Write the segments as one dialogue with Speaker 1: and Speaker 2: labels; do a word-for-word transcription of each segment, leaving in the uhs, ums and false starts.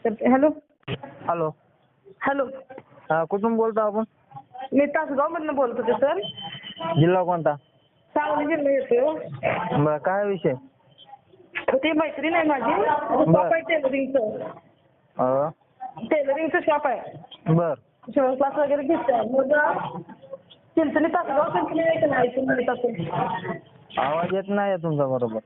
Speaker 1: करते. Hello
Speaker 2: hello.
Speaker 1: Hello
Speaker 2: हा, कुठून बोलतो आपण?
Speaker 1: मी तासगावमधनं बोलत होते सर.
Speaker 2: जिल्हा कोणता?
Speaker 1: सांगली जिल्हा येतो.
Speaker 2: बरं, काय विषय?
Speaker 1: ती मैत्रीण आहे माझी, शॉप आहे टेलरिंगचं.
Speaker 2: अं,
Speaker 1: टेलरिंगचं शॉप आहे.
Speaker 2: बर
Speaker 1: शिवण क्लास वगैरे घेते. मग चिंचणी तासगाव चिंचणी आहे का नाही ऐकून माहीत असेल.
Speaker 2: आवाज येत नाही तुमचा बरोबर.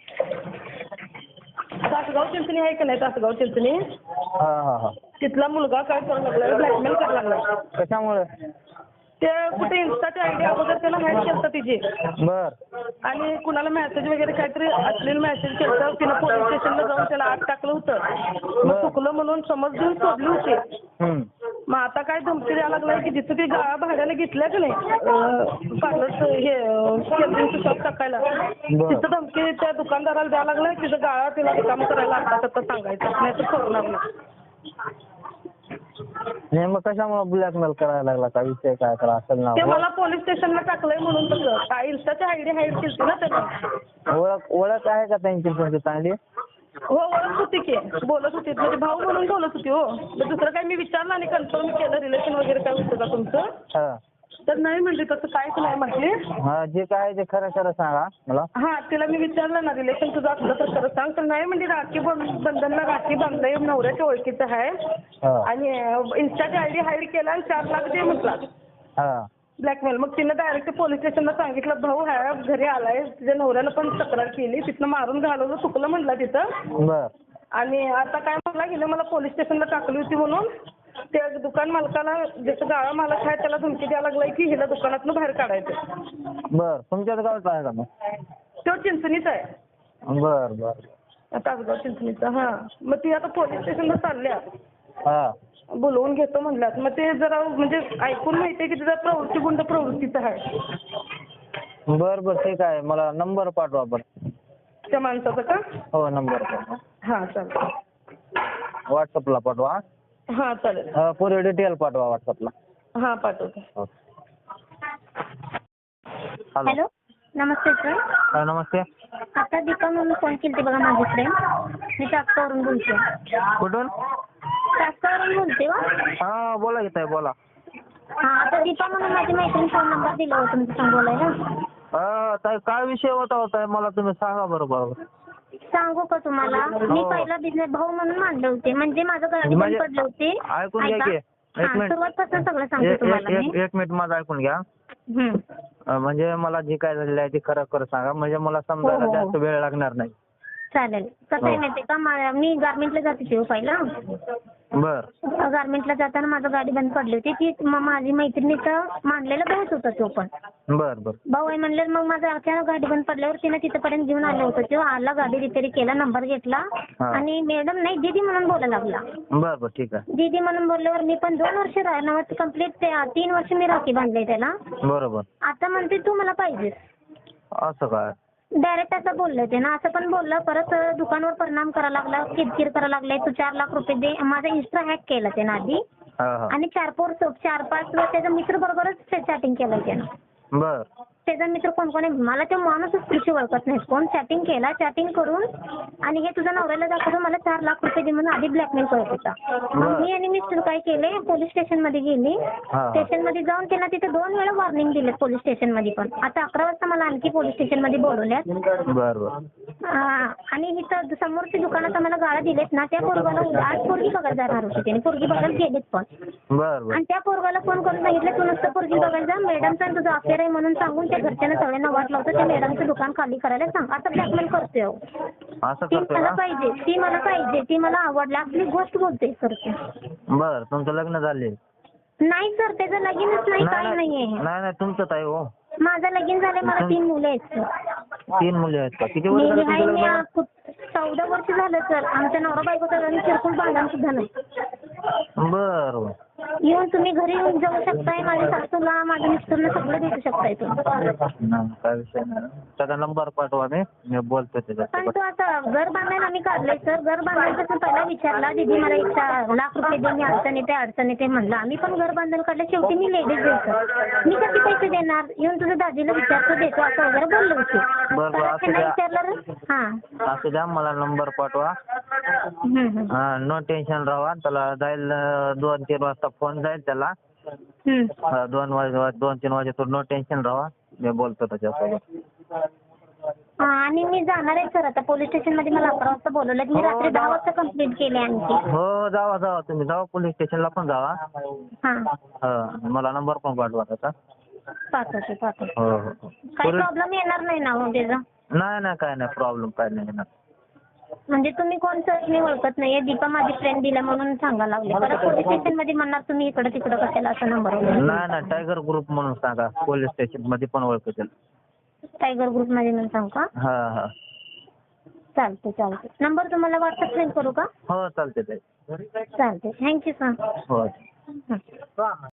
Speaker 1: तासगाव चिंचणी आहे का नाही तासगाव चिंचणी?
Speaker 2: हा हा हा.
Speaker 1: तिथला मुलगा काय करायला लागला, ब्लॅकमेल करायला लागला.
Speaker 2: कशामुळे?
Speaker 1: ते कुठे इन्स्टाची आयडी अगोदर त्याला हॅक केलं तिची.
Speaker 2: बर
Speaker 1: आणि कुणाला मेसेज वगैरे काहीतरी अश्लील मेसेज केलं, तिनं पोलीस स्टेशनला जाऊन त्याला आत टाकलं होतं. मग चुकलं म्हणून समज देऊन सोडली होती.
Speaker 2: हम्म.
Speaker 1: मग आता काय धमकी द्यायला लागलाय की जिथं ती गाळा भाड्याला घेतल्या की नाही पार्लरचं हे टेलरिंगचं शॉप टाकायला, तिथं धमकी त्या दुकानदाराला द्यायला लागलाय. तिथं गाळा तिला रिकामं करायला आता आता सांगायचं, नाही तर सोडणार नाही.
Speaker 2: नाही, मग कशामुळे ब्लॅकमेल करायला लागला? काय विषय काय करा असेल ना?
Speaker 1: ते मला पोलीस स्टेशनला टाकलंय म्हणून तसं. काय इन्स्टाची आयडी हाईड केली ना त्यानं.
Speaker 2: ओळख ओळख आहे का त्यांची तुमची चांगली?
Speaker 1: हो, ओळख होती की, बोलत होती. म्हणजे भाऊ म्हणून बोलत होती. हो, तर दुसरं काही मी विचारलं आणि कन्फर्म केलं रिलेशन वगैरे काय होतं का तुमचं,
Speaker 2: हा.
Speaker 1: तर नाही म्हणली, तसं काहीच नाही म्हटली.
Speaker 2: हा, जे काय ते खरं खरं सांगा मला.
Speaker 1: हा, तिला मी विचारलं ना रिलेशन तुझं असलं तर खरं सांग, तर नाही म्हणजे राखी बंधनला राखी बांधलंय, नवऱ्याच्या ओळखीचं आहे आणि इन्स्टाची आयडी हाईड केला आणि चार लाख दे म्हटला
Speaker 2: हा.
Speaker 1: ब्लॅकमेल. मग तिनं डायरेक्ट पोलीस स्टेशनला सांगितलं, भाऊ ह्या घरी आलाय, तिच्या नवऱ्यानं पण तक्रार केली, तिथनं मारून घालवलं, चुकलं म्हटलं तिथं.
Speaker 2: बर
Speaker 1: आणि आता काय म्हटलं, हिनं मला पोलीस स्टेशनला टाकली होती म्हणून त्या दुकान मालकाला, ज्याचं गाळा मालक आहे त्याला धमकी द्यायला लागलाय की हिला दुकानातनं बाहेर काढायचं.
Speaker 2: बर तुमच्याच गावचा आहे का मग?
Speaker 1: तो चिंचणीचा आहे.
Speaker 2: बर बर.
Speaker 1: तासगाव चिंचणीचा. हा, मग ती आता पोलीस स्टेशनला चालल्या,
Speaker 2: हा.
Speaker 1: बोलवून घेतो म्हणल्यात. मग ते जरा म्हणजे ऐकून माहितीये की तिचा प्रवृत्ती गुंड प्रवृत्तीचा आहे.
Speaker 2: बर बर, ठीक आहे. मला नंबर पाठवा बरं
Speaker 1: त्या माणसाचा का?
Speaker 2: हो, नंबर पाठवा.
Speaker 1: हा चालेल.
Speaker 2: व्हॉट्सअपला पाठवा.
Speaker 1: हा चालेल.
Speaker 2: हा, पुरे डिटेल पाठवा व्हॉट्सअपला.
Speaker 1: हा, पाठवते.
Speaker 2: हॅलो.
Speaker 3: हॅलो, नमस्ते सर.
Speaker 2: हा, नमस्ते.
Speaker 3: आता दीपा म्हणून फोन केली बघा माझ्याकडे. मी चाकवरून बोलते.
Speaker 2: कुठून?
Speaker 3: चाकवरून बोलते वा.
Speaker 2: हा, बोला की ताई, बोला.
Speaker 3: हा, आता दीपा म्हणून माझी मैत्रीण फोन नंबर दिला होता तुमच्या संग बोलायला.
Speaker 2: हा ताई, काय विषय होता होता मला तुम्ही सांगा बरं बरोबर.
Speaker 3: सांगू का तुम्हाला? मी पहिला बिझनेस भाऊ म्हणून मानले होते, म्हणजे माझं गाडी बंद पडले होते.
Speaker 2: ऐकून घ्या की, एक मिनिट.
Speaker 3: सुरुवातपासून सगळं सांगते तुम्हाला मी.
Speaker 2: एक मिनिट माझं ऐकून घ्या.
Speaker 3: हम्म.
Speaker 2: म्हणजे मला जे काय झालेलं आहे ते खरं खरं सांगा, म्हणजे मला समजायला जास्त वेळ लागणार नाही.
Speaker 3: चालेल. कसं आहे माहितीये का, मी गारमेंटला जात होते पहिला.
Speaker 2: बर.
Speaker 3: गारमेंटला जाताना माझं गाडी बंद पडली होती. ती माझी मैत्रिणीचं मानलेला भाऊच होता तो पण.
Speaker 2: बर बर.
Speaker 3: भाऊ आहे म्हणलं. मग माझं अचानक गाडी बंद पडल्यावर तिने तिथपर्यंत घेऊन आलं होतं. तो आला, गाडी रिपेअर केला, नंबर घेतला आणि मॅडम नाही दीदी म्हणून बोलायला लागला.
Speaker 2: बर बर, ठीक आहे.
Speaker 3: दीदी म्हणून बोलल्यावर मी पण दोन वर्ष राहणार कंप्लीट, तीन वर्ष मी राखी बांधले त्याला.
Speaker 2: बरोबर.
Speaker 3: आता म्हणते तू मला पाहिजेस.
Speaker 2: असं काय?
Speaker 3: डायरेक्ट असं बोललं ते ना. असं पण बोललं. परत दुकानावर परिणाम करायला लागला, किरकिर करायला लागलाय. तू चार लाख रुपये दे. माझा इन्स्टा हॅक केला त्यानं आधी आणि चार पोर चार पाच त्याच्या मित्र बरोबरच चॅटिंग केलं त्यानं.
Speaker 2: बर.
Speaker 3: त्याचा मित्र कोण कोण आहे मला तो माणूसच कृषी ओळखत नाही. कोण चॅटिंग केला, चॅटिंग करून आणि हे तुझ्या नवऱ्याला दाखवतो मला चार लाख रुपये दे म्हणून आधी ब्लॅकमेल करत होता. मग मी आणि मिस्टर काय केले, पोलीस स्टेशन मध्ये गेली. स्टेशन मध्ये जाऊन त्यांना तिथे दोन वेळा वॉर्निंग दिले पोलीस स्टेशन मध्ये पण. आता अकरा वाजता मला आणखी पोलीस स्टेशन मध्ये बोलवल्यात.
Speaker 2: बर बर.
Speaker 3: आणि इथं समोरच्या दुकानात आम्हाला गाळा दिलेत ना, त्या पोरगाला आज पोरगी बघायला जाणार होती त्यांनी. पोरगी बघायला गेलेत पण.
Speaker 2: बर बर.
Speaker 3: आणि त्या पोरगाला फोन करून सांगितलं तू नुसतं पोरगी बघायला जा, मॅडमचा तुझं अफेअर आहे म्हणून सांगून त्या घरच्यांना सगळ्यांना वाट लावतो. त्या मॅडमचं दुकान खाली करायला सांग. असं ब्लॅकमेल करतोय.
Speaker 2: असं
Speaker 3: ती
Speaker 2: करतोय
Speaker 3: मला
Speaker 2: का?
Speaker 3: पाहिजे, ती मला पाहिजे, ती मला आवडली, आपली गोष्ट बोलते करते.
Speaker 2: बर. तुमचं लग्न झाले?
Speaker 3: नाही सर, त्याचं लगीनच नाही, काही नाहीये.
Speaker 2: नाही नाही, तुमचं ताई हो.
Speaker 3: माझं लगीन झालंय, मला तीन मुलं आहेत सर.
Speaker 2: तीन मुले आहेत का? किती वर्ष झाले तुमचं लग्न?
Speaker 3: चौदा वर्ष झालं सर. आमच्या नवरा बायकोचं लग्न किरकोळ भांडण सुद्धा नाही.
Speaker 2: बर.
Speaker 3: येऊन तुम्ही घरी येऊन जाऊ शकताय. माझ्या सासूला माझ्या मिस्टरला सगळं भेटू शकताय तुम्ही.
Speaker 2: नाही, काय विषय नाही. त्याचा नंबर पाठवा, मी मी बोलतो
Speaker 3: पण
Speaker 2: त्याच्यासोबत.
Speaker 3: तो आता घर बांधायला आम्ही काढलंय सर. घर बांधायचं पहिला विचारला दीदी मला एक चा- लाख रुपये दे, मी अडचण येते अडचण येते म्हणलं. आम्ही पण घर बांधायला काढलं. शेवटी मी लेडीज देतो, मी कसे पैसे देणार. येऊन तुझ्या दाजीला विचारतो देतो असं वगैरे बोललो होते.
Speaker 2: बरं, बरं, असू
Speaker 3: त्यांना
Speaker 2: द्या.
Speaker 3: विचारलं हां
Speaker 2: असू द्या, मला नंबर पाठवा.
Speaker 3: हम्म, हम्म.
Speaker 2: हा, नो टेन्शन राहा. त्याला जाईल अं, दोन तीन वाजता फोन जाईल त्याला.
Speaker 3: हम्म.
Speaker 2: हा, दोन वाजे दोन तीन वाजे नो टेन्शन राहा, मी बोलतो त्याच्यासोबत.
Speaker 3: हा, आणि मी जाणार आहे सर आता पोलीस स्टेशनमध्ये. मला अकरा वाजता बोलवलं. मी
Speaker 2: हो,
Speaker 3: रात्री दहा
Speaker 2: जावा.
Speaker 3: वाजता कंप्लीट केली आणखी.
Speaker 2: हो, जावा जावा तुम्ही जावा पोलीस स्टेशनला पण जावा.
Speaker 3: हां
Speaker 2: हा, मला नंबर पण पाठवा त्याचा.
Speaker 3: पाठवते पाठवते.
Speaker 2: हो हो हो.
Speaker 3: काही प्रॉब्लेम येणार नाही ना मग त्याचा.
Speaker 2: नाही नाही, काय नाही प्रॉब्लेम, काय नाही येणार.
Speaker 3: म्हणजे तुम्ही कोण सर मी ओळखत नाहीये. दीपा माझी फ्रेंड दिला म्हणून सांगा लागले. परत पोलीस स्टेशनमध्ये म्हणणार तुम्ही इकडं तिकडं कशाला असा नंबर.
Speaker 2: नाही नाही, टायगर ग्रुप म्हणून सांगा. पोलीस स्टेशन मध्ये पण ओळखतील.
Speaker 3: टायगर ग्रुपमध्ये म्हणून सांगू का?
Speaker 2: हा हा.
Speaker 3: चालते चालते. नंबर तुम्हाला व्हॉट्सअप सेंड करू का?
Speaker 2: हो, चालते ताई.
Speaker 3: चालते. Thank you sir.
Speaker 2: हो.
Speaker 3: हं.